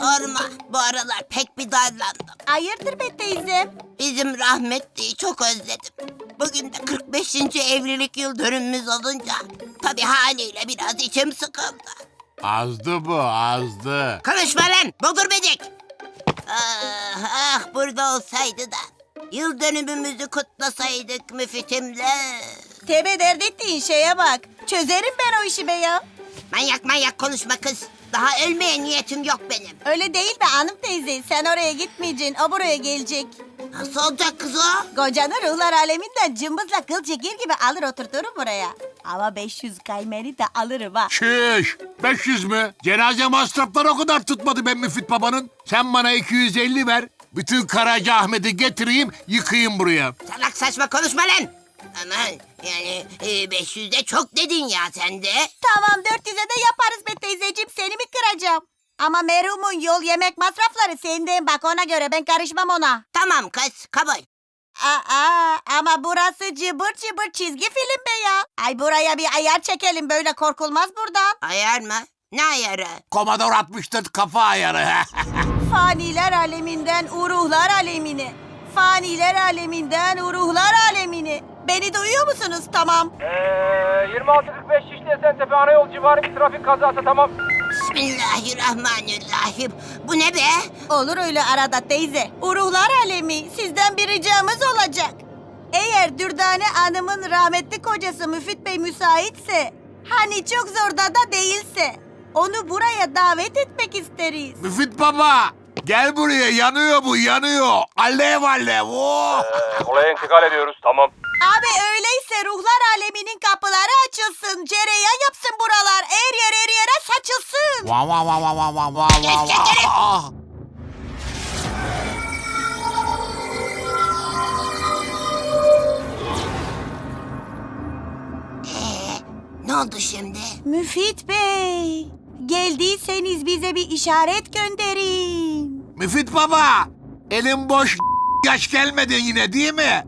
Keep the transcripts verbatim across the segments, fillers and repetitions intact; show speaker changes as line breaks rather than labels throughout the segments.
Sorma, bu aralar pek bir darlandım.
Hayırdır be teyzem?
Bizim rahmetliyi çok özledim. Bugün de kırk beşinci evlilik yıl dönümümüz olunca tabii haliyle biraz içim sıkıldı.
Azdı bu, azdı.
Konuşma lan, bodur bedik. Ah, ah burada olsaydı da yıl dönümümüzü kutlasaydık müfitimle.
Tebe dert ettiğin şeye bak. Çözerim ben o işi be ya.
Manyak manyak konuşma kız. Daha ölmeye niyetim yok benim.
Öyle değil be hanım teyze. Sen oraya gitmeyeceksin. O buraya gelecek.
Nasıl olacak kız o?
Kocanı ruhlar aleminden cımbızla kıl çekir gibi alır oturturum buraya. Ama beş yüz kaymeri de alırım ha.
Şiş, beş yüz mü? Cenaze masrafları o kadar tutmadı ben Müfit babanın. Sen bana iki yüz elli ver. Bütün Karacaahmet'i getireyim, yıkayım buraya.
Salak saçma konuşma lan. Aman yani e, beş yüz de çok dedin ya sen de.
Tamam dört yüze de yaparız be teyzeciğim. Seni mi kıracağım? Ama merhumun yol yemek masrafları senden, bak ona göre, ben karışmam ona.
Tamam kız kabul.
Aa, ama burası cıbır cıbır çizgi film be ya. Ay buraya bir ayar çekelim, böyle korkulmaz buradan.
Ayar mı? Ne ayarı?
Komodor altmış dört kafa ayarı.
Faniler aleminden uruhlar alemine. Faniler aleminden uruhlar alemine. Beni duyuyor musunuz? Tamam.
Ee, yirmi altı kırk beş Şişli Esentepe Anayol civarı bir trafik kazası, tamam.
Bismillahirrahmanirrahim. Bu ne be?
Olur öyle arada teyze. Uruhlar alemi, sizden bir ricamız olacak. Eğer Dürdane Hanım'ın rahmetli kocası Müfit Bey müsaitse, hani çok zorda da değilse, onu buraya davet etmek isteriz.
Müfit baba, gel buraya, yanıyor bu, yanıyor. Alev alev, oh!
Ee, olaya intikal ediyoruz, tamam.
Abi öyleyse ruhlar aleminin kapıları açılsın, cereyan yapsın buralar, her yer her yere saçılsın.
Va va va va va va va
Geç,
va
geç, geç.
va.
Ee, ne oldu şimdi?
Müfit Bey, geldiyseniz bize bir işaret gönderin.
Müfit baba, elim boş yaş gelmedin yine değil mi?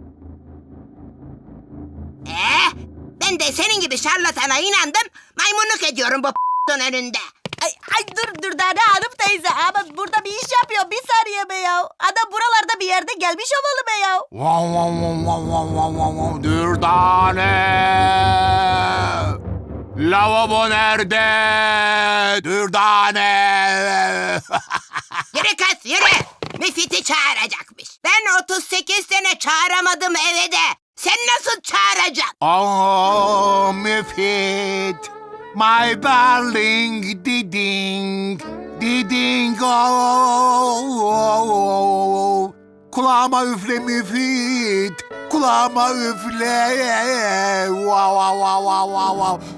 Ee, ben de senin gibi şarlatana inandım. Maymunluk ediyorum bu p***'ın önünde.
Ay, ay dur dur Dane Hanım teyze, ama burada bir iş yapıyor, bir saniye be ya. Adam buralarda bir yerde gelmiş olmalı be ya.
Va va va va va va va va. Dürdane. Lavabo nerede? Dürdane.
Yürü kız yürü. Müfit'i çağıracakmış. Ben otuz sekiz sene çağıramadım eve de. Sen nasıl çağıracaksın?
Oh Müfit. My darling diding. Diding oh, oh, oh. Kulağıma üfle Müfit. Kulağıma üfle. Wow wow wow wow wow.